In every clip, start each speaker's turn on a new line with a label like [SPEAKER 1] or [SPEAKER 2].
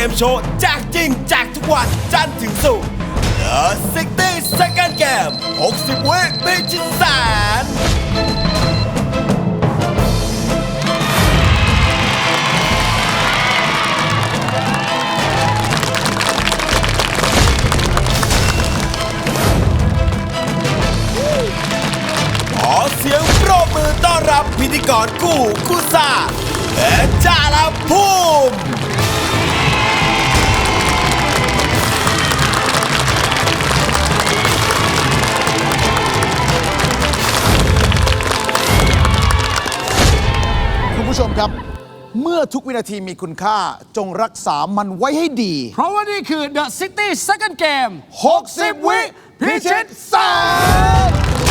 [SPEAKER 1] มโชว์แจกจริงแจกทุกวันจันทร์ถึงศุกร์ The 60 Second Game 60 วิพิชิตแสนขอเสียงปรบมือต้อนรับพิธีกรคู่ซ่าเอ็ดจาลภูมิ
[SPEAKER 2] คุณผู้ชมครับเมื่อทุกวินาทีมีคุณค่าจงรักษามันไว้ให้ดี
[SPEAKER 3] เพราะว่านี่คือ The City Second Game
[SPEAKER 2] 60 วิพิชิตแสน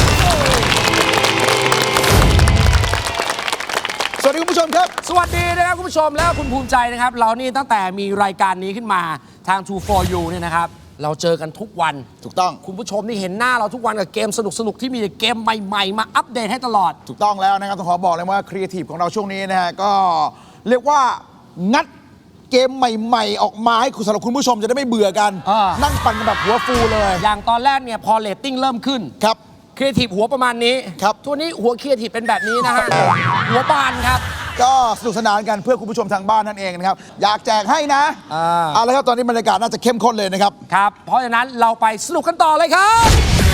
[SPEAKER 2] สวัสดีคุณผู้ชมครับ
[SPEAKER 3] สวัสดีนะครับคุณผู้ชมและคุณภูมิใจนะครับเรานี่ตั้งแต่มีรายการนี้ขึ้นมาทาง True for You เนี่ยนะครับเราเจอกันทุกวัน
[SPEAKER 2] ถูกต้อง
[SPEAKER 3] คุณผู้ชมนี่เห็นหน้าเราทุกวันกับเกมสนุกๆที่มีเกมใหม่ๆมาอัปเดตให้ตลอด
[SPEAKER 2] ถูกต้องแล้วนะครับต้องขอบอกเลยว่าครีเอทีฟของเราช่วงนี้นะฮะก็เรียกว่างัดเกมใหม่ๆออกมาให้สำหรับคุณผู้ชมจะได้ไม่เบื่อกันนั่งปั่นกันแบบหัวฟูเลย
[SPEAKER 3] อย่างตอนแรกเนี่ยพอเรตติ้งเริ่มขึ้น
[SPEAKER 2] ครับ
[SPEAKER 3] ครีเอทีฟหัวประมาณนี้
[SPEAKER 2] ครับ
[SPEAKER 3] ตัวนี้หัวครีเอทีฟเป็นแบบนี้นะฮะหัวบานครับ
[SPEAKER 2] ก็สนุกสนานกันเพื่อคุณผู้ชมทางบ้านนั่นเองนะครับอยากแจกให้นะเอาละครับตอนนี้บรรยากาศน่าจะเข้มข้นเลยนะครับ
[SPEAKER 3] ครับเพราะฉะนั้นเราไปสนุกกันต่อเลยครับ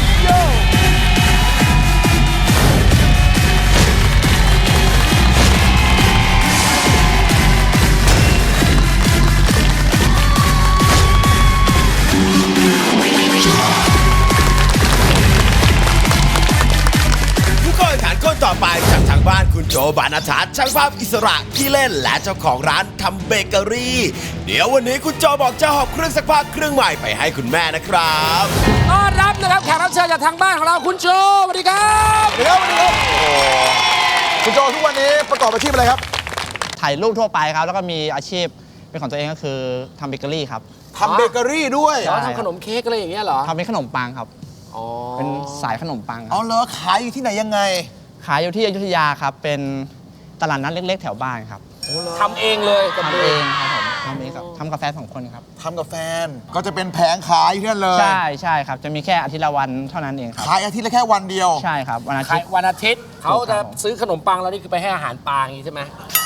[SPEAKER 1] คนต่อไปจากทางบ้านคุณโจบานาทัศน์ช่างภาพอิสระขี้เล่นและเจ้าของร้านทำเบเกอรี่เดี๋ยววันนี้คุณโจบอกจะหอบเครื่องซักผ้าเครื่องใหม่ไปให้คุณแม่นะครับ
[SPEAKER 3] ต้อนรับนะครับแขกรับเชิญจากทางบ้านของเราคุณโจสวัสดีครับ
[SPEAKER 2] สวัสดีครับคุณโจทุกวันนี้ประกอบอาชีพอะไรครับ
[SPEAKER 4] ถ่ายรูปทั่วไปครับแล้วก็มีอาชีพเป็นของตัวเองก็คือทำเบเกอรี่ครับ
[SPEAKER 2] ทำเบเกอรี่ด้วย
[SPEAKER 3] ทำขนมเค้กอะไรอย่างเงี้ยเหรอ
[SPEAKER 4] ทำเป็นขนมปังครับเป็นสายขนมปัง
[SPEAKER 2] อ๋อเหรอขายอยู่ที่ไหนยังไง
[SPEAKER 4] ขายอยู่ที่อยุธยาครับเป็นตลาดนัดเล็กๆแถวบ้านครับ
[SPEAKER 3] ทำเองเลย
[SPEAKER 4] ทำเองครับผมทำเองครับทำกาแฟ2 คนครับ
[SPEAKER 2] ทำกับแฟนก็จะเป็นแผงขายที่นั่นเลย
[SPEAKER 4] ใช่ครับจะมีแค่อาทิตย์ละวันเท่านั้นเองครับ
[SPEAKER 2] ขายอาทิตย์ละแค่วันเดียว
[SPEAKER 4] ใช่ครับวันอา
[SPEAKER 3] ทิตย์เขาจะซื้อขนมปังแล้วนี่คือไปให้อาหารปลาอย่างนี้ใช่ไหม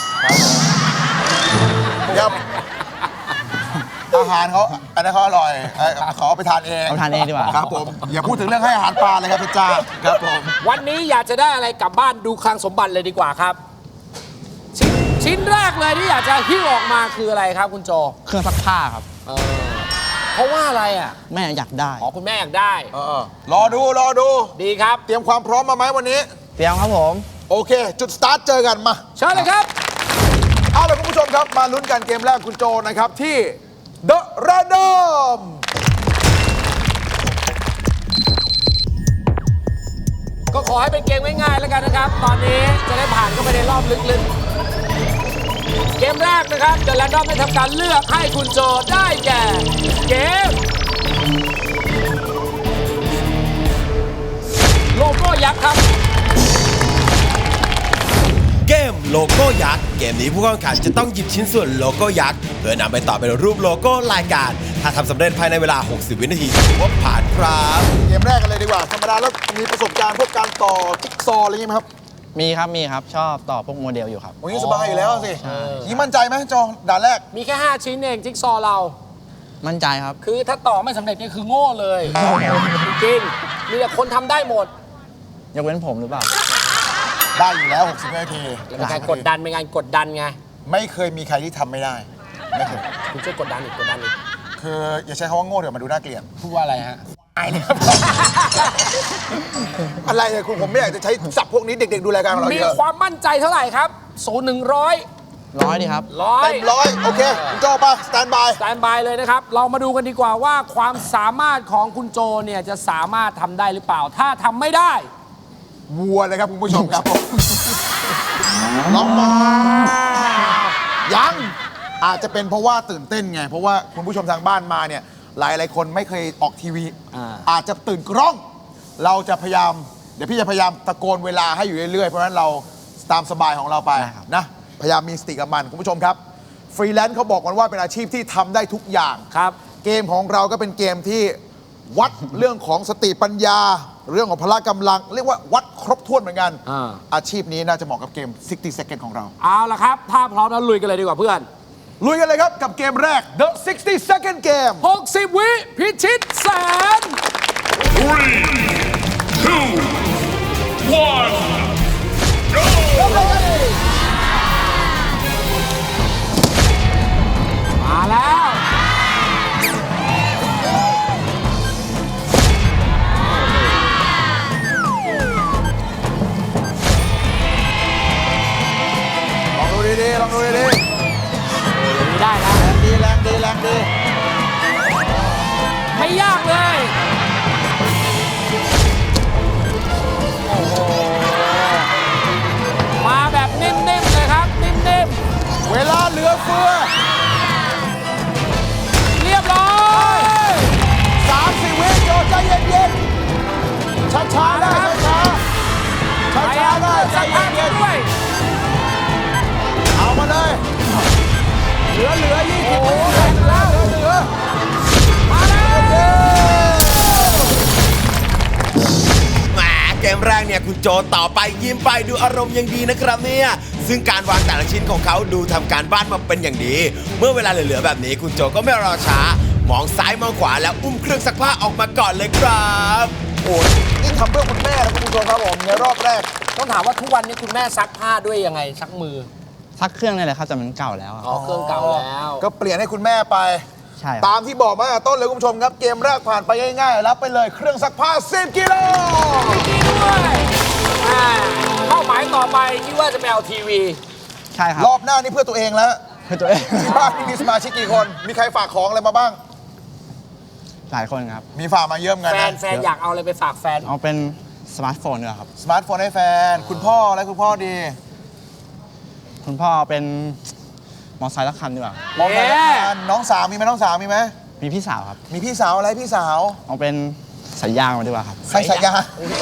[SPEAKER 2] ครับอาหารเขาอันนั้นเขาอร่อยขอไปทานเอง
[SPEAKER 4] เอาทานเองดีกว่า
[SPEAKER 2] ครับผมอย่าพูดถึงเรื่องให้อาหารปลาเลยครับพี่จ้าครับผม
[SPEAKER 3] วันนี้อยากจะได้อะไรกลับบ้านดูคลังสมบัติเลยดีกว่าครับชิ้นแรกเลยที่อยากจะหิ้วออกมาคืออะไรครับคุณโจ
[SPEAKER 4] เครื่องซักผ้าครับ
[SPEAKER 3] เพราะว่าอะไรอ่ะ
[SPEAKER 4] แม่อยากได้
[SPEAKER 3] คุณแม่อยากได้
[SPEAKER 2] รอดู
[SPEAKER 3] ดีครับ
[SPEAKER 2] เตรียมความพร้อมมาไหมวันนี้
[SPEAKER 4] เตรียมครับผม
[SPEAKER 2] โอเคจุดสตาร์ทเจอกันมา
[SPEAKER 3] เชิญเลยครับ
[SPEAKER 2] เอาล่ะคุณผู้ชมครับมาลุ้นกันเกมแรกคุณโจนะครับที่ The Random
[SPEAKER 3] ก็ขอให้เป็นเกมง่ายๆแล้วกันนะครับตอนนี้จะได้ผ่านเข้าไปในรอบลึกๆเกมแรกนะครับ The Random ได้ทำการเลือกให้คุณโจได้แก่เกมโลโก้ยักษ์ครับ
[SPEAKER 1] เกมโลโก้ยักษ์เกมนี้ผู้แข่งขันจะต้องหยิบชิ้นส่วนโลโก้ยักษ์เพื่อนำไปต่อเป็นรูปโลโก้รายการถ้าทำสำเร็จภายในเวลา60 วินาทีถือว่าผ่านครับ
[SPEAKER 2] เกมแรกกันเลยดีกว่าธรรมดาแล้วมีประสบการณ์พวกการต่อจิ๊กซอว์อะไรอย่างงี้ไหมครับ
[SPEAKER 4] มีครับชอบต่อพวกโมเดลอยู่ครับ
[SPEAKER 2] โอ้ยสบายอยู่แล้วสินี่มั่นใจไหมโจด่านแรก
[SPEAKER 3] มีแค่5ชิ้นเองจิ๊กซอว์เรา
[SPEAKER 4] มั่นใจครับ
[SPEAKER 3] คือถ้าต่อไม่สำเร็จนี่คือโง่เลยจริงมีแต่คนทำได้หมด
[SPEAKER 4] ยกเว้นผมหรือเปล่า
[SPEAKER 2] ได้อยู่แล้ว60 นาที
[SPEAKER 3] เป็นการกดดันเป็นการกดดันไง
[SPEAKER 2] ไม่เคยมีใครที่ทำไม่ได้ไม่เคย
[SPEAKER 3] คุณช่วยกดดันอีก
[SPEAKER 2] คืออย่าใช้คำว่าโง่เดี๋ยวมาดูน่าเกลียด
[SPEAKER 3] พูดว่าอะไรฮะ
[SPEAKER 2] ไอ้เนี่ยอะไรเนี่ยคุณผมไม่อยากจะใช้ศัพท์พวกนี้เด็กๆดูรายการของเรา
[SPEAKER 3] มีความมั่นใจเท่าไหร่ครับ
[SPEAKER 4] 100ดีครับ
[SPEAKER 2] เต็ม100โอเคคุณโจป่ะสแตนบาย
[SPEAKER 3] เลยนะครับเรามาดูกันดีกว่าว่าความสามารถของคุณโจเนี่ยจะสามารถทำได้หรือเปล่าถ้าทำไม่ได้
[SPEAKER 2] วัวเลยครับคุณผู้ชมครับน้องมายังอาจจะเป็นเพราะว่าตื่นเต้นไงเพราะว่าคุณผู้ชมทางบ้านมาเนี่ยหลายคนไม่เคยออกทีวีอาจจะตื่นกล้องเราจะพยายามเดี๋ยวพี่จะพยายามตะโกนเวลาให้อยู่เรื่อยๆเพราะฉะนั้นเราตามสบายของเราไปนะพยายามมีสติกับมันคุณผู้ชมครับฟรีแลนซ์เขาบอกกันว่าเป็นอาชีพที่ทำได้ทุกอย่าง
[SPEAKER 3] ครับ
[SPEAKER 2] เกมของเราก็เป็นเกมที่วัด เรื่องของสติปัญญา เรื่องของพละกำลัง เรียกว่าวัดครบถ้วนเหมือนกัน อาชีพนี้น่าจะเหมาะกับเกม 60 Seconds ของเรา
[SPEAKER 3] เอาละครับ ถ้าพร้อมแล้วลุยกันเลยดีกว่าเพื่อน
[SPEAKER 2] ลุยกันเลยครับกับเกมแรก The 60 Second Game
[SPEAKER 3] 60 วิพิชิตแสน มาแล้ว
[SPEAKER 2] ลองดูดีๆลองดูดี
[SPEAKER 3] ไม่ได้นะ
[SPEAKER 2] ๆแรงดีแรงดีแรงดี
[SPEAKER 3] ไม่ยากเลย โอ้โห มาแบบนิ่มๆเลยครับ นิ่ม
[SPEAKER 2] เวลาเหลือเฟือ
[SPEAKER 3] ๆ เรียบร้อย
[SPEAKER 2] 30 วิโจใจเย็นๆช้าๆได้ช้าๆช้าๆได้ใจ
[SPEAKER 3] สักพัก
[SPEAKER 2] เย็น
[SPEAKER 3] ด้วย
[SPEAKER 2] ๆเอามาเลยเหลือ20 วิเหลือ
[SPEAKER 3] มาแล้ว
[SPEAKER 1] แหมเกมแรกเนี่ยคุณโจต่อไปยิ้มไปดูอารมณ์ยังดีนะครับเนี่ยซึ่งการวางแต่ละชิ้นของเขาดูทำการบ้านมาเป็นอย่างดี เมื่อเวลาเหลือๆแบบนี้คุณโจก็ไม่รอช้ามองซ้ายมองขวาแล้วอุ้มเครื่องซักผ้าออกมาก่อนเลยครับ
[SPEAKER 2] โอ้ยนี่ทำเพื่อคุณแม่นะคุณผู้ชมครับผมในรอบแรก
[SPEAKER 3] ต้องถามว่าทุกวันนี้คุณแม่ซักผ้าด้วยยังไงซักมือ
[SPEAKER 4] ซักเครื่องนี่แหละครับแต่มันเก่าแล้วครับ
[SPEAKER 3] อ๋อ เครื่องเก่าแล้ว
[SPEAKER 2] ก็เปลี่ยนให้คุณแม่ไป
[SPEAKER 4] ใช่ค
[SPEAKER 2] ตา
[SPEAKER 4] รับ
[SPEAKER 2] มที่บอกมาตั้งแต่ต้นเลยคุณผู้ชมครับ เกมแรกผ่านไปง่ายๆ รับไปเลยเครื่องซักผ้า 10 กิโล
[SPEAKER 3] ด้วยเป้าหมายต่อไปคิดว่าจะไปเอาทีวี
[SPEAKER 4] ใช่ครับ
[SPEAKER 2] รอบหน้านี่เพื่อตัวเองแล้ว
[SPEAKER 4] เพื่อตัวเอง
[SPEAKER 2] ที่บ้านนี่มีสมาชิกกี่คน มีใครฝากของอะไรมาบ้าง
[SPEAKER 4] หลายคนครับ
[SPEAKER 2] มีฝากมาเยอะเหมือนกัน
[SPEAKER 3] แฟน
[SPEAKER 2] นะ
[SPEAKER 3] อยากเอาอะไรไปฝากแฟน
[SPEAKER 4] เอาเป็นสมาร์ทโฟนดีกว่าครับ
[SPEAKER 2] สมาร์ทโฟนให้แฟน คุณพ่ออะไรคุณพ่อดี
[SPEAKER 4] คุณพ่อเอาเป็นมอเตอร์ไซค์ละคันดีกว่า
[SPEAKER 2] มองไปน้องสาวมีไหมน้องสาวมีไหม
[SPEAKER 4] มีพี่สาวครับ
[SPEAKER 2] มีพี่สาวอะไรพี่สาว
[SPEAKER 4] เอาเป็นสายยางมาดีกว่าครับ
[SPEAKER 2] ใส่สายยาง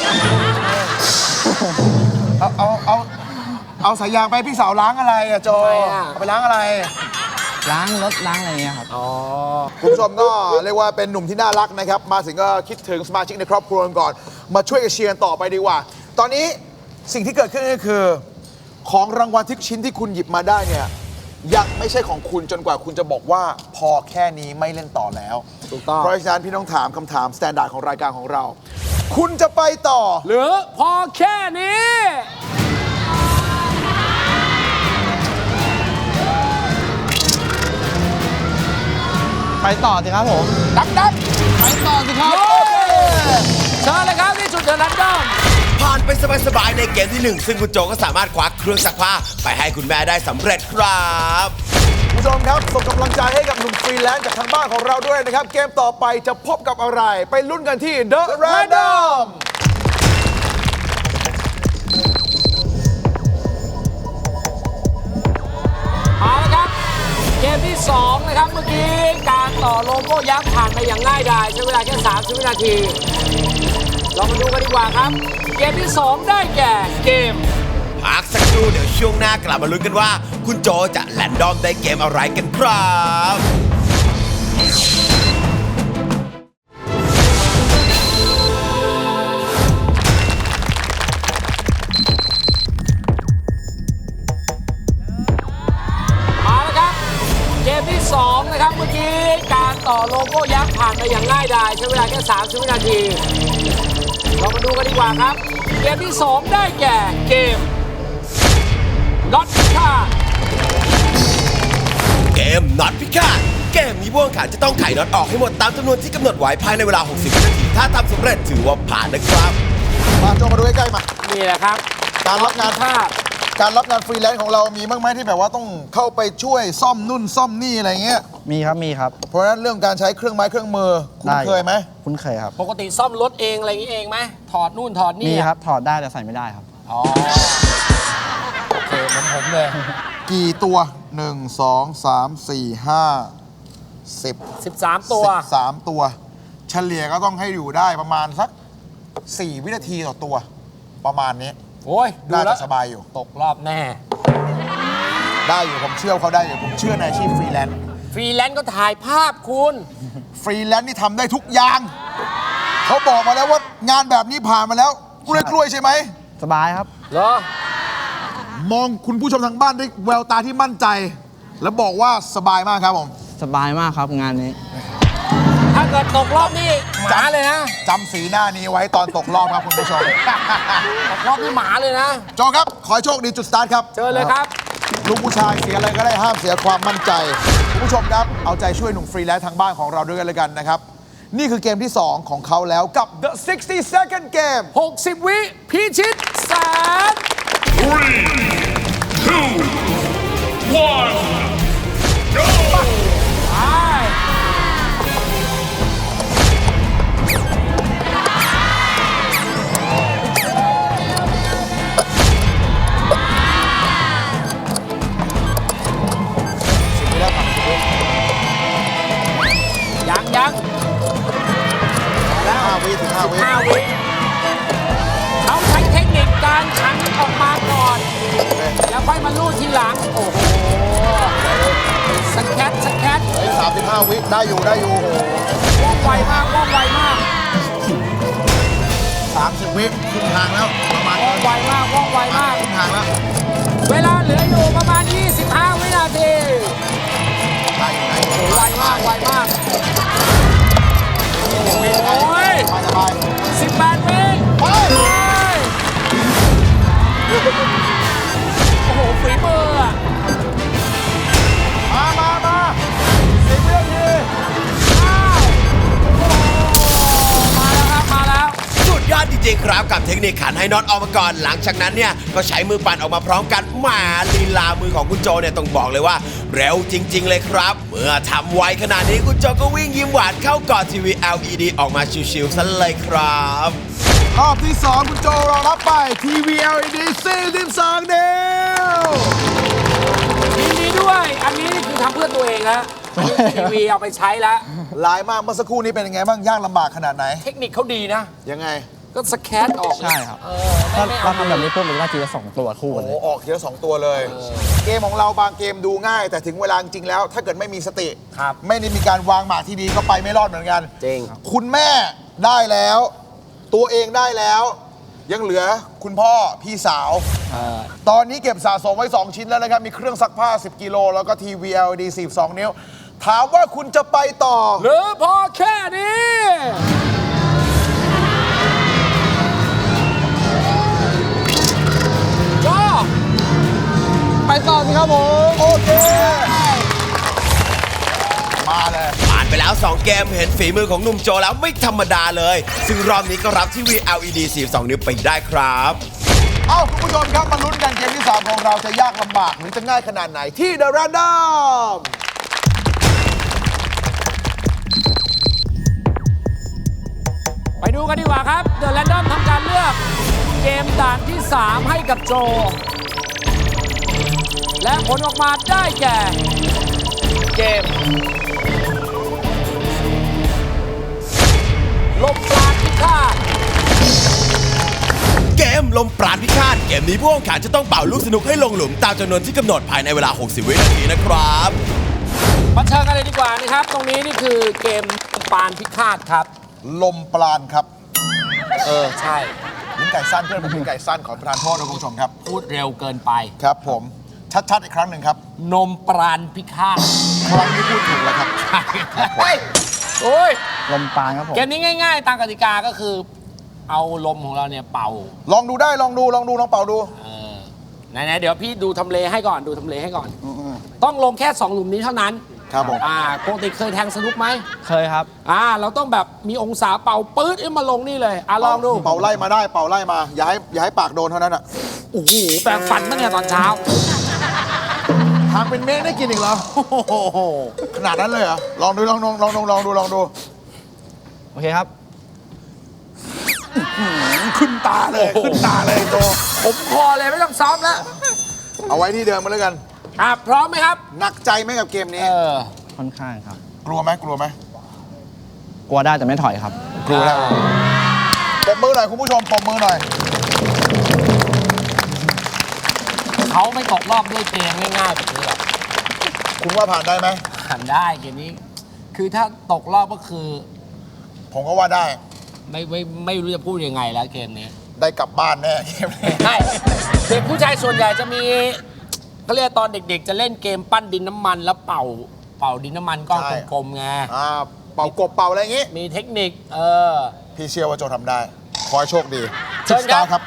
[SPEAKER 2] เอาสายยางไปให้พี่สาวล้างอะไรอะโจ
[SPEAKER 3] ทำไมอะ
[SPEAKER 2] เอาไปล้างอะไร
[SPEAKER 4] ล้างรถล้างอะไรเงี้ยครับ
[SPEAKER 3] อ๋อ
[SPEAKER 2] คุณผู้ชมก็เรียกว่าเป็นหนุ่มที่น่ารักนะครับ มาถึงก็คิดถึงสมาชิกในครอบครัวกันก่อน มาช่วยกันเชียร์ต่อไปดีกว่า ตอนนี้สิ่งที่เกิดขึ้นก็คือ ของรางวัลทุกชิ้นที่คุณหยิบมาได้เนี่ยยังไม่ใช่ของคุณจนกว่าคุณจะบอกว่าพอแค่นี้ไม่เล่นต่อแล้ว
[SPEAKER 3] ถูกต้อง
[SPEAKER 2] เพราะฉะนั้นพี่ต้องถามคำถามสแตนดาร์ดของรายการของเรา คุณจะไปต่อ
[SPEAKER 3] หรือพอแค่นี้
[SPEAKER 4] ไปต่อสิครับผม
[SPEAKER 2] ดัก
[SPEAKER 4] ไปต่อสิครับ
[SPEAKER 3] เชิญเลยครับที่จุดเดอะแรนดอม
[SPEAKER 1] ผ่านไปสบายๆในเกมที่ 1 ซึ่งคุณโจก็สามารถคว้าเครื่องซักผ้าไปให้คุณแม่ได้สำเร็จครับ
[SPEAKER 2] คุณผู้ชมครับส่งกำลังใจให้กับหนุ่มฟรีแลนซ์จากทางบ้านของเราด้วยนะครับ เกมต่อไปจะพบกับอะไร ไปลุ้นกันที่ The Random
[SPEAKER 3] เอาละครับ เกมที่ 2 นะครับ เมื่อกี้การต่อโลโก้ยักษ์ผ่านไปอย่างง่ายดายใช้เวลาแค่30 วินาที เรามาดูกันดีกว่าครับ เกมที่ 2 ได้แก่เกม
[SPEAKER 1] พักสักครู่เดี๋ยวช่วงหน้ากลับมาลุ้นกันว่า คุณโจจะแรนดอมได้เกมอะไรกันครับ
[SPEAKER 3] เอาละครับ เกมที่ 2 นะครับ เมื่อกี้การต่อโลโก้ยักษ์ผ่านไปอย่างง่ายดายใช้เวลาแค่30 วินาที เรามาดูกันดีกว่าครับ เกมที่ 2 ได้แก่เกมน็อตค่า
[SPEAKER 1] เกมน็อตพิฆาตเกมนี้ผู้แข่งขันจะต้องไขน็อตออกให้หมดตามจำนวนที่กำหนดไว้ภายในเวลา 60 วินาที ถ้าทำสำเร็จถือว่าผ่านนะครับ
[SPEAKER 2] มาโจมาดูใกล้ๆมา
[SPEAKER 3] นี่แหละครับ
[SPEAKER 2] การรับงาน
[SPEAKER 3] ค่า
[SPEAKER 2] การรับงานฟรีแลนซ์ของเรามีบ้างไหมที่แบบว่าต้องเข้าไปช่วยซ่อมนู่นซ่อมนี่อะไรเงี้ย
[SPEAKER 4] มีครับ มีครับ
[SPEAKER 2] เพราะฉะนั้นเรื่องการใช้เครื่องไม้เครื่องมือคุณ
[SPEAKER 4] ได้
[SPEAKER 2] เคยไหม
[SPEAKER 4] คุ้นเคยครับ
[SPEAKER 3] ปกติซ่อมรถเองอะไรอย่างนี้เองไหมถอดนู่นถอดนี่
[SPEAKER 4] มี
[SPEAKER 3] อะ
[SPEAKER 4] ครับ ถอดได้แต่ใส่ไม่ได้ครับ
[SPEAKER 3] อ๋อ โอเคเหมือนผมเลย
[SPEAKER 2] กี่ตัว 1 2 3 4 5 10
[SPEAKER 3] 13 ตัว
[SPEAKER 2] 13 ตัว เฉลี่ยก็ต้องให้อยู่ได้ประมาณสัก 4 วินาทีต่อตัว ประมาณนี้
[SPEAKER 3] โอ้ย ดู
[SPEAKER 2] น่า
[SPEAKER 3] แล้
[SPEAKER 2] จะ
[SPEAKER 3] ว
[SPEAKER 2] สบายอยู่
[SPEAKER 3] ตกรอบแน่
[SPEAKER 2] ได้อยู่ผมเชื่อเขาได้อยู่ผมเชื่อในอาชีพฟรีแลนซ์
[SPEAKER 3] ฟรีแลนซ์ก็ถ่ายภาพคุณ
[SPEAKER 2] ฟรีแลนซ์นี่ทำได้ทุกอย่างเขาบอกมาแล้วว่างานแบบนี้ผ่านมาแล้วกล้วยๆใช่ไหม
[SPEAKER 4] สบายครับ
[SPEAKER 3] เหรอ
[SPEAKER 2] มองคุณผู้ชมทางบ้านด้วยแววตาที่มั่นใจ แล้วบอกว่าสบายมากครับผม
[SPEAKER 4] สบายมากครับงานนี้
[SPEAKER 3] ถ้าเกิดตกรอบนี่หมาเลยนะ
[SPEAKER 2] จำสีหน้านี้ไว้ตอนตกรอบครับคุณผู้ชม
[SPEAKER 3] ตกรอบนี่หมาเลยนะ
[SPEAKER 2] โจครับ ขอให้โชคดีจุดสตาร์ทครับ
[SPEAKER 3] เจอเลยครับ
[SPEAKER 2] ลูกผู้ชายเสียอะไรก็ได้ห้ามเสียความมั่นใจคุณผู้ชมครับเอาใจช่วยหนุ่มฟรีแลนซ์ทางบ้านของเราด้วยกันเลยกันนะครับ นี่คือเกมที่ 2 ของเขาแล้วกับ The 60 Second Game
[SPEAKER 3] 60 วิพิชิตแสน
[SPEAKER 5] 3, 2, 1, go!
[SPEAKER 3] ไป
[SPEAKER 2] ไม่ได้ผ่านคุณ
[SPEAKER 3] ยัง
[SPEAKER 2] แล้ว5 วิถึง 5 วิ
[SPEAKER 3] 5 วิเขาใช้เทคนิคการขันออกมาก่อน แล้วค่อยมาลู่ทีหลัง โอ้โหสแคท
[SPEAKER 2] 35 วิได้อยู่ได้อยู่
[SPEAKER 3] ว่องไวมาก
[SPEAKER 2] 30 วิครึ่งทางแล้วประมาณ
[SPEAKER 3] ว่องไวมาก
[SPEAKER 2] ครึ่งทางแล้ว
[SPEAKER 3] เวลาเหลืออยู่ประมาณ 25 วินาที
[SPEAKER 2] ได้อยู่ได้อยู่
[SPEAKER 3] ไวมาก โอ้ย
[SPEAKER 2] สบาย
[SPEAKER 3] 18 วิ
[SPEAKER 2] ๆไป
[SPEAKER 3] โอ้โหฝีมืออะ
[SPEAKER 2] มา10 วินาที
[SPEAKER 3] มาแล้ว
[SPEAKER 1] สุดยอดจริงๆครับกับเทคนิคขันให้น็อตออกมาก่อนหลังจากนั้นเนี่ยก็ใช้มือปั่นออกมาพร้อมกันแหมาลีลามือของคุณโจเนี่ยต้องบอกเลยว่าเร็วจริง ๆ เลยครับ เมื่อทำไวขนาดนี้คุณโจก็วิ่งยิ้มหวานเข้ากอดทีวี LED ออกมาชิวๆซะเลยครับ
[SPEAKER 2] รอบที่ 2 คุณโจเรารับไปทีวี LED 42 นิ้ว
[SPEAKER 3] ยินดีด้วย อันนี้คือทำเพื่อตัวเองฮะทีวีเอาไปใช้แล้ว
[SPEAKER 2] หลายมากเมื่อสักครู่นี้เป็นยังไงบ้างยากลำบากขนาดไหน
[SPEAKER 3] เทคนิคเขาดีนะ
[SPEAKER 2] ยังไง
[SPEAKER 3] ก็สแคตออก
[SPEAKER 4] ใช่ครับ
[SPEAKER 3] ไม่
[SPEAKER 4] ถ้า
[SPEAKER 3] เอา
[SPEAKER 4] ทำแบบนี้ปุ๊บมันก็ทีละ2 ตัวคู่
[SPEAKER 2] โอ้
[SPEAKER 4] กัน
[SPEAKER 2] โห
[SPEAKER 4] เลย
[SPEAKER 2] ออกเยอะ2 ตัวเลย เกมของเราบางเกมดูง่าย แต่ถึงเวลาจริงๆแล้ว ถ้าเกิดไม่มีสติ
[SPEAKER 3] ครับ
[SPEAKER 2] ไม่ได้มีการวางหมากที่ดีก็ไปไม่รอดเหมือนกัน
[SPEAKER 3] จริง
[SPEAKER 2] คุณแม่ได้แล้ว ตัวเองได้แล้ว ยังเหลือคุณพ่อพี่สาว ตอนนี้เก็บสะสมไว้ 2 ชิ้นแล้วนะครับ มีเครื่องซักผ้า 10 กิโลแล้วก็ทีวี LED 42 นิ้ว ถามว่าคุณจะไปต่อ
[SPEAKER 3] หรือพอแค่นี้ก็
[SPEAKER 2] ไปต่อสิครับผม โอเค มาเลย
[SPEAKER 1] ผ่านไปแล้ว 2 เกมเห็นฝีมือของหนุ่มโจแล้วไม่ธรรมดาเลย ซึ่งรอบนี้ก็รับทีวี LED 42 นิ้วไปได้ครับ
[SPEAKER 2] เอ้าคุณผู้ชมครับมาลุ้นกันเกมที่ 3 ของเราจะยากลำบากหรือจะง่ายขนาดไหนที่ The Random
[SPEAKER 3] ไปดูกันดีกว่าครับ เดอะแรนดอมทำการเลือกเกมด่านที่ 3 ให้กับโจ และผลออกมาได้แก่ เกม ลมปราณพิฆาต
[SPEAKER 1] เกมลมปราณพิฆาตเกมนี้ผู้แข่งขันจะต้องเป่าลูกสนุกให้ลงหลุมตามจำนวนที่กำหนดภายในเวลา 60 วินาทีนะครับ
[SPEAKER 3] มาเชิญกันเลยดีกว่านะครับ ตรงนี้นี่คือเกมปราณพิฆาตครับ
[SPEAKER 2] ลมปราณครับ
[SPEAKER 3] ใช่
[SPEAKER 2] ลิ้นไก่สั้นเพื่อนผมลิ้นไก่สั้นขอประทานโทษนะคุณผู้ชมครับ
[SPEAKER 3] พูดเร็วเกินไป
[SPEAKER 2] ครับผมชัดๆอีกครั้งหนึ่งครับ
[SPEAKER 3] นมปราณพิฆาต
[SPEAKER 2] ครั้งนี้พูดถูกแล้วครับ
[SPEAKER 3] เฮ้ยโอ้ย
[SPEAKER 4] ลมปานครับผม
[SPEAKER 3] เกมนี้ง่ายๆ ตามกติกาก็คือ เอาลมของเราเนี่ยเป่า
[SPEAKER 2] ลองดูได้ลองดูลองเป่าดู
[SPEAKER 3] ไหนๆเดี๋ยวพี่ดูทำเลให้ก่อนดูทำเลให้ก่อน ต้องลงแค่ 2 หลุมนี้เท่านั้น
[SPEAKER 2] ครับผม
[SPEAKER 3] ปกติเคยแทงสนุกไหม
[SPEAKER 4] เคยครับ
[SPEAKER 3] เราต้องแบบมีองศาเป่าปื๊ดมาลงนี่เลยลองดู
[SPEAKER 2] เป่าไล่มาได้เป่าไล่มาอย่าให้ปากโดนเท่านั้นอ่ะ
[SPEAKER 3] โอ้โหแปลงฟันมาเนี่ยตอนเช้า
[SPEAKER 2] ทางเป็นเมฆได้กินอีกเหรอขนาดนั้นเลยเหรอลองดู
[SPEAKER 4] โอเคครับ
[SPEAKER 2] ขึ้นตาเลยโต
[SPEAKER 3] ผมพอเลยไม่ต้องซ้อมแล้ว
[SPEAKER 2] เอาไว้ที่เดิมมาแล้วกัน
[SPEAKER 3] พร้อมไหมครับ
[SPEAKER 2] หนักใจไหมกับเกมนี้
[SPEAKER 4] ค่อนข้างครับ
[SPEAKER 2] กลัวไหม
[SPEAKER 4] กลัวได้แต่ไม่ถอยครับ
[SPEAKER 2] กลัวแล้วปรบมือหน่อยคุณผู้ชมปรบมือหน่อย
[SPEAKER 3] เขาไม่ตกรอบด้วยเกมง่ายๆแบบนี้หรอก
[SPEAKER 2] คุณว่าผ่านได้ไหม
[SPEAKER 3] ผ่านได้เกมนี้ คือถ้าตกรอบก็คือ
[SPEAKER 2] ผมก็ว่าได้
[SPEAKER 3] ไม่รู้จะพูดยังไงแล้วเกมนี้
[SPEAKER 2] ได้กลับบ้านแน่เกมนี้
[SPEAKER 3] ใช่เด็กผู้ชายส่วนใหญ่จะมีเขาเรียกตอนเด็กๆ จะเล่นเกมปั้นดินน้ำมันแล้วเป่าดินน้ำมันก้อนกลมๆไง
[SPEAKER 2] เป่ากบเป่าอะไรอย่างงี้
[SPEAKER 3] มีเทคนิค
[SPEAKER 2] พี่เชื่อว่าโจทำได้ ขอให้โชคดี
[SPEAKER 3] เชิญครับ
[SPEAKER 2] สตาร์ครับ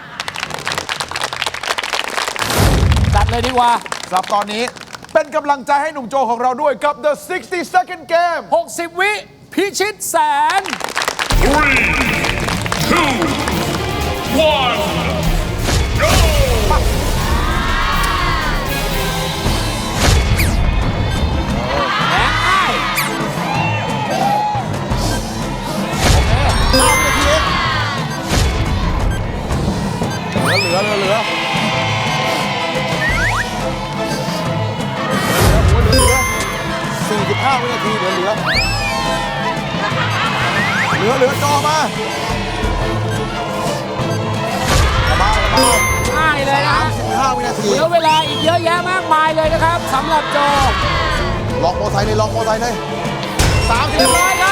[SPEAKER 3] จัดเลยดีกว่า
[SPEAKER 2] สำหรับตอนนี้เป็นกำลังใจให้หนุ่มโจของเราด้วยกับ The 60 Second Game
[SPEAKER 3] 60 วิพิชิตแสน
[SPEAKER 5] 3, 2, 1, go!
[SPEAKER 3] แรงง่าย
[SPEAKER 2] 5 นาทีเองเหลือ45 วินาทีเหลือจอมา
[SPEAKER 3] ง่ายเลยนะ
[SPEAKER 2] 35 วินาที
[SPEAKER 3] เหลือเวลาอีกเยอะแยะมากมายเลยนะครับสำหรับโจ
[SPEAKER 2] ลองโมไซค์เลยลองโมไซค์เลย
[SPEAKER 3] เรียบร้อยครับ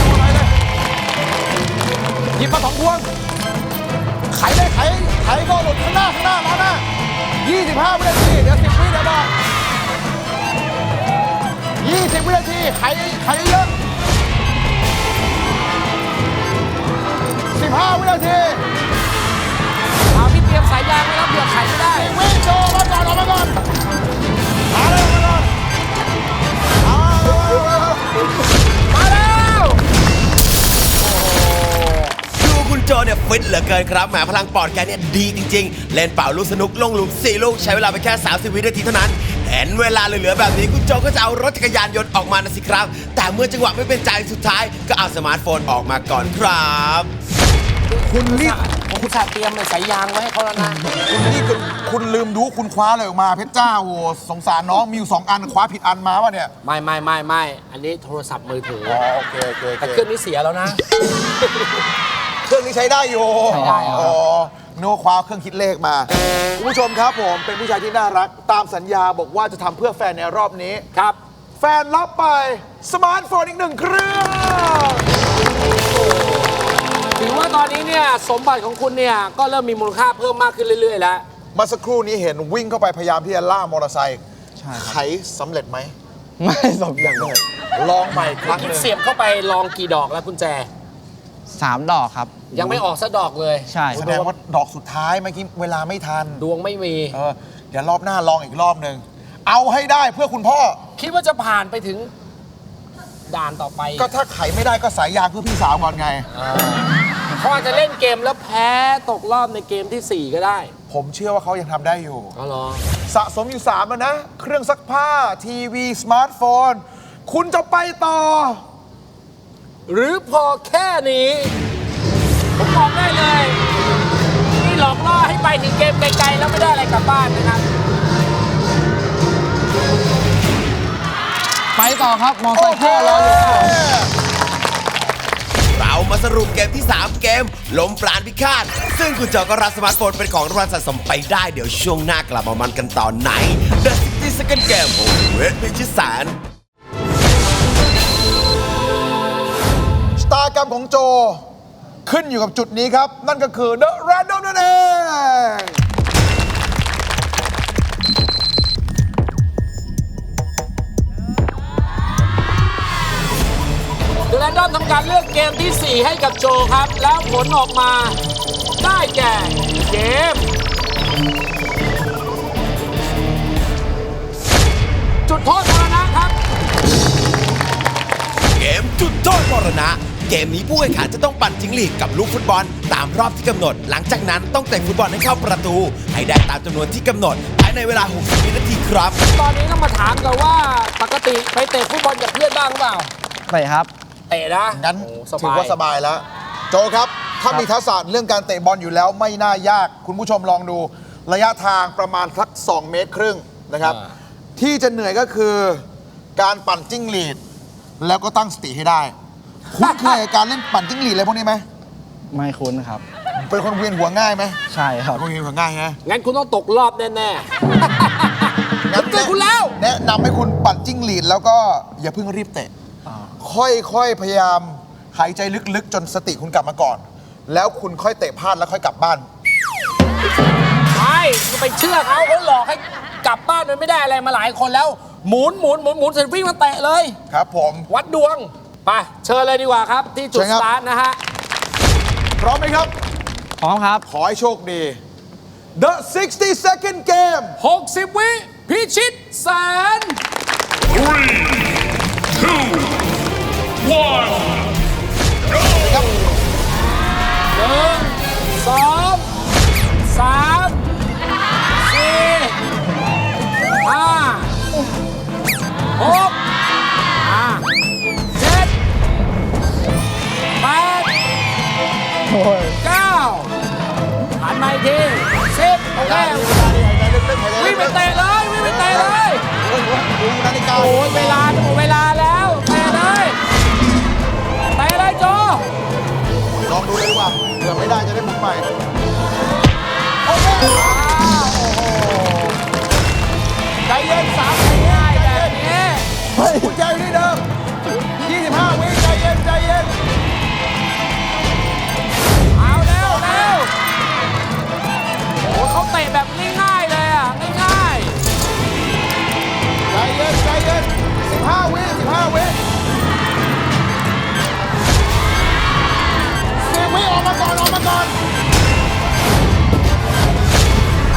[SPEAKER 2] หยิบมา2 พวงไขเลยไขก็หลุดข้างหน้าล้อหน้า25 วินาทีเดี๋ยว10 วิเดี๋ยวบอก20 วินาทีไขเยอะ15 วินาที
[SPEAKER 3] เอาพี่เตรียมสายยางไว้แล้วเผื่อไขไม่ได้
[SPEAKER 2] วิ่งโชว์มาก่อนออกมาก่อนมาเลยมาก่อน
[SPEAKER 3] มาแล้ว
[SPEAKER 1] ดูคุณโจเนี่ยฟิตเหลือเกินครับแหมพลังปอดแกเนี่ยดีจริงๆ เล่นเป่าลูกสนุกลงหลุม4 ลูกใช้เวลาไปแค่ 30 วินาทีเท่านั้น เห็นเวลาเหลือๆแบบนี้คุณโจก็จะเอารถจักรยานยนต์ออกมานะสิครับ แต่เมื่อจังหวะไม่เป็นใจสุดท้ายก็เอาสมาร์ทโฟนออกมาก่อนครับ
[SPEAKER 2] คุณรีบ
[SPEAKER 3] ผมอุตส่าห์เตรียมสายยางไว้ให้เขาแล้วนะ
[SPEAKER 2] คุณลืมดูคุณคว้าอะไรออกมาเพชรจ้าโอ้สงสารน้องมีอยู่2 อันคว้าผิดอันมาป่ะเนี่ย
[SPEAKER 3] ไม่อันนี้โทรศัพท์มือถือ
[SPEAKER 2] โอเค
[SPEAKER 3] แต่เครื่องนี้เสียแล้วนะ
[SPEAKER 2] เครื่องนี้ใช้ได้อยู่
[SPEAKER 3] ใช้ได้ครับ
[SPEAKER 2] อ๋อนึกว่าคว้าเครื่องคิดเลขมาคุณผู้ชมครับผมเป็นผู้ชายที่น่ารักตามสัญญาบอกว่าจะทำเพื่อแฟนในรอบนี้
[SPEAKER 3] ครับ
[SPEAKER 2] แฟนรับไปสมาร์ทโฟนอีก1 เครื่อง
[SPEAKER 3] ถือว่าตอนนี้เนี่ยสมบัติของคุณเนี่ยก็เริ่มมีมูลค่าเพิ่มมากขึ้นเรื่อยๆแล้ว
[SPEAKER 2] เมื่อสักครู่นี้เห็นวิ่งเข้าไปพยายามที่จะล่ามอเตอร์ไซค์
[SPEAKER 4] ใช่ครับ
[SPEAKER 2] ไขสำเร็จไหม
[SPEAKER 4] ไม่สมอย่างเลย
[SPEAKER 2] ลองใหม่ครั้งหนึ่ง
[SPEAKER 3] เสียบเข้าไปลองกี่ดอกแล้วกุญแจ
[SPEAKER 4] 3 ดอกครับ
[SPEAKER 3] ยังไม่ออกสักดอกเลย
[SPEAKER 4] ใช่ค
[SPEAKER 2] แส
[SPEAKER 4] รับ
[SPEAKER 2] ดงว่าดอกสุดท้ายเมื่อกี้เวลาไม่ทัน
[SPEAKER 3] ดวงไม่มี
[SPEAKER 2] เดี๋ยวรอบหน้าลองอีกรอบหนึ่งเอาให้ได้เพื่อคุณพ่อ
[SPEAKER 3] คิดว่าจะผ่านไปถึงด่านต่อไป
[SPEAKER 2] ก็ถ้าไขไม่ได้ก็สายยางเพื่อพี่สาวก่อนไง
[SPEAKER 3] เขาอาจจะเล่นเกมแล้วแพ้ตกรอบในเกมทีสี่4 ก็ได้
[SPEAKER 2] ผมเชื่อว่าเขายังทำได้อยู่
[SPEAKER 3] อ๋อเหรอ
[SPEAKER 2] สะสมอยู่ 3 แล้วนะ เครื่องซักผ้า ทีวี สมาร์ทโฟน คุณจะไปต่อ
[SPEAKER 3] หรือพอแค่นี้ ผมบอกได้เลย นี่หลอกล่อให้ไปถึงเกมไกลๆแล้วไม่ได้อะไรกลับบ้านนะครับ
[SPEAKER 4] ไปต่อครับมอไซค์พ่อรออยู่ครับ
[SPEAKER 1] เรามาสรุปเกมที่ 3 เกมลมปราณพิฆาตซึ่งคุณโจก็รับสมาร์ทโฟนเป็นของรางวัลสะสมไปได้เดี๋ยวช่วงหน้ากลับมามันกันต่อใน The 60 Second Game โอ้โหพิชิตแสน
[SPEAKER 2] ชะตากรรมของโจ ขึ้นอยู่กับจุดนี้ครับ นั่นก็คือ The Random นั่นเอง
[SPEAKER 3] เดอะแรนดอมทำการเลือกเกมที่ 4 ให้กับโจครับ แล้วผลออกมาได้แก่เกม จุดโทษมรณะครับ
[SPEAKER 1] เกมจุดโทษมรณะ เกมนี้ผู้แข่งขันจะต้องปั่นจิ้งหรีดกับลูกฟุตบอล ตามรอบที่กำหนด หลังจากนั้นต้องเตะฟุตบอลให้เข้าประตู ให้ได้ตามจำนวนที่กำหนดภายในเวลา 60 วินาทีครับ
[SPEAKER 3] ตอนนี้ต้องมาถามกันว่าปกติไปเตะฟุตบอลกับเพื่อนบ้างเปล่า
[SPEAKER 4] ไปครับ
[SPEAKER 3] เตะนะ
[SPEAKER 2] งั้น
[SPEAKER 3] โอ้
[SPEAKER 2] ถือว่าสบายแล้ว โจครับ ถ้ามีทักษะเรื่องการเตะบอลอยู่แล้วไม่น่ายาก คุณผู้ชมลองดูระยะทางประมาณสัก2 เมตรครึ่งนะครับ ที่จะเหนื่อยก็คือการปั่นจิ้งหรีดแล้วก็ตั้งสติให้ได้ คุ้นเคยกับการเล่นปั่นจิ้งหรีดอะไรพวกนี้ไหม
[SPEAKER 4] ไม่คุ้นครับ
[SPEAKER 2] เป็นคนเวียนหัวง่ายไหม
[SPEAKER 4] ใช่ครับ
[SPEAKER 2] เป็นคนเวียนหัวง่ายฮะ
[SPEAKER 3] งั้นคุณต้องตกรอบแน่ๆผมเตือนคุณแล้ว
[SPEAKER 2] แนะนำให้คุณปั่นจิ้งหรีดแล้วก็อย่าเพิ่งรีบเตะ ค่อยๆ พยายามหายใจลึกๆ จนสติคุณกลับมาก่อน แล้วคุณค่อยเตะพลาดแล้วค่อยกลับบ้าน
[SPEAKER 3] ใช่คุณไปเชื่อเขาหลอกให้กลับบ้านมันไม่ได้อะไรมาหลายคนแล้ว หมุนเสร็จวิ่งมาเตะเลย
[SPEAKER 2] ครับผม
[SPEAKER 3] วัดดวง ไป เชิญเลยดีกว่าครับ ที่จุด
[SPEAKER 2] เชิญครั
[SPEAKER 3] ส
[SPEAKER 2] บ
[SPEAKER 3] ตาร์ทนะฮะ
[SPEAKER 2] พร้อมไหมครับ
[SPEAKER 4] พร้อมครับ
[SPEAKER 2] ขอให้โชคดี The 60-second game
[SPEAKER 3] 60 วิพิชิตแสน
[SPEAKER 5] 3, 2, 1.
[SPEAKER 3] สองสามสี่ห้าหกเจ็ดแปดเก้าหันมาอีกที10โอเควิ่งไปเตะเลยวิ่งไปเตะเลย
[SPEAKER 2] ดูนาฬิกา
[SPEAKER 3] โอ้ยเวลาจะหมดเวลาแล้วเตะเลยเตะเลยโจ
[SPEAKER 2] ลองดูเลยดีกว่าเผื่อไม่ได้จะได้หมุนใหม่ โอเค
[SPEAKER 3] ใจเย็น3ง่ายแบบนี้
[SPEAKER 2] กุญแจอยู่ที่เดิม 25 วิใจเย็นใจเย็น
[SPEAKER 3] เอาเร็วโอ้เขาเตะแบบง่ายๆเลยอ่ะง่าย
[SPEAKER 2] ใจเย็นใจเย็น15 วิ15 วิ10 วิออกมาก่อนออกมาก่อน
[SPEAKER 3] ๆเอา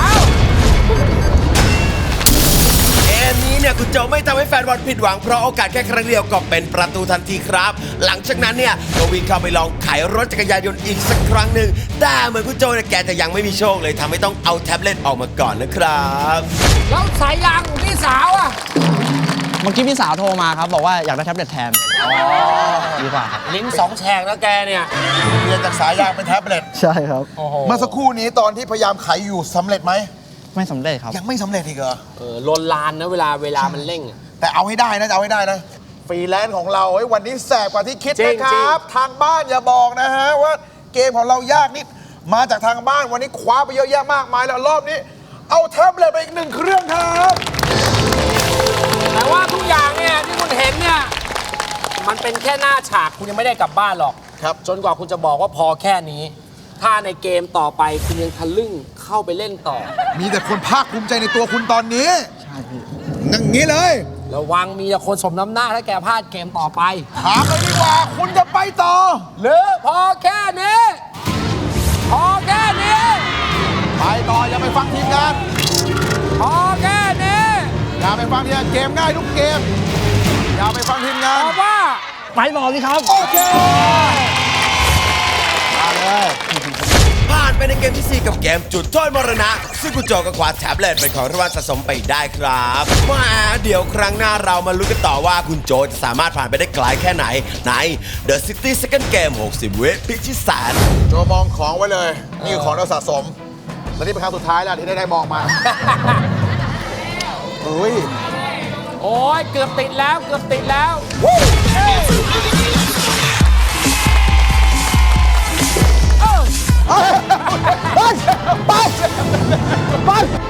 [SPEAKER 1] เกมนี้เนี่ยคุณโจไม่ทำให้แฟนบอลผิดหวังเพราะโอกาสแค่ครั้งเดียวก็เป็นประตูทันทีครับ หลังจากนั้นเนี่ยก็วิ่งเข้าไปลองไขรถจักรยานยนต์อีกสักครั้งหนึ่งแต่เหมือนคุณโจเนี่ยแกจะยังไม่มีโชคเลยทำให้ต้องเอาแท็บเล็ตออกมาก่อนนะครับ
[SPEAKER 3] แล้วสายยางของพี่สาวอ่ะ
[SPEAKER 4] เมื่อกี้พี่สาวโทรมาครับ บอกว่าอยากได้แท็บเล็ตแทนดีกว่าครับ
[SPEAKER 3] ลิ้น2 แฉกแล้วแกเนี่ย
[SPEAKER 2] เปลี่ยนจากสายยางเป็นแท็บเล็ต
[SPEAKER 4] ใช่ครับ
[SPEAKER 2] เมื่อสักครู่นี้ตอนที่พยายามไขอยู่สำเร็จไหม
[SPEAKER 4] ไม่สำเร็จครับ
[SPEAKER 2] ยังไม่สำเร็จอีกเหรอ
[SPEAKER 3] ลนลานนะเวลามันเร่งอะ
[SPEAKER 2] แต่เอาให้ได้นะเอาให้ได้นะฟรีแลนซ์ของเราเฮ้ยวันนี้แสบกว่าที่คิด
[SPEAKER 3] จริ
[SPEAKER 2] นะ
[SPEAKER 3] ง
[SPEAKER 2] ครับ ทางบ้านอย่าบอกนะฮะว่าเกมของเรายากนิดมาจากทางบ้านวันนี้คว้าไปเยอะแยะมากมายแล้วรอบนี้ เอาแท็บเล็ตไปอีก1 เครื่องครับ
[SPEAKER 3] แต่ว่าทุกอย่างเนี่ยที่คุณเห็นเนี่ยมันเป็นแค่หน้าฉากคุณยังไม่ได้กลับบ้านหรอก
[SPEAKER 2] ครับ
[SPEAKER 3] จนกว่าคุณจะบอกว่าพอแค่นี้ ถ้าในเกมต่อไปคุณยังทะลึ่งเข้าไปเล่นต่อ
[SPEAKER 2] มีแต่คนภาคภูมิใจในตัวคุณตอนนี้
[SPEAKER 4] ใช่พี่
[SPEAKER 2] อย่างนี้เลย
[SPEAKER 3] ระวังมีแต่คนสมน้ำหน้าถ้าแกพลาดเกมต่อไป
[SPEAKER 2] ถามเลยดีกว่า คุณจะไปต่อ
[SPEAKER 3] หรือพอแค่นี้ พอแค่นี้
[SPEAKER 2] ไปต่ออย่าไปฟังทีมงาน
[SPEAKER 3] พอแค่นี้
[SPEAKER 2] อย่าไปฟังทีมงานเกมง่ายทุกเกม อย่าไปฟังทีมงา
[SPEAKER 3] ต
[SPEAKER 2] น
[SPEAKER 3] อบว่า
[SPEAKER 4] ไปต่อสิครับ
[SPEAKER 2] โอเคมาเลย
[SPEAKER 1] ผ่านไปในเกมที่ 4 กับเกมจุดโทษมรณะ ซึ่งคุณโจก็คว้าแท็บเล็ตเป็นของรางวัลสะสมไปได้ครับมาเดี๋ยวครั้งหน้าเรามาลุ้นกันต่อว่าคุณโจจะสามารถผ่านไปได้ไกลแค่ไหนใน The 60-second Game 60 วิพิชิตแสน
[SPEAKER 2] โจมองของไว้เลย นี่คือของเราสะสม และนี่เป็นครั้งสุดท้ายแล้วที่ได้มองมาเฮ้ย
[SPEAKER 3] โอ้ยเกือบติดแล้วเกือบติดแล้ว
[SPEAKER 2] ไป ไป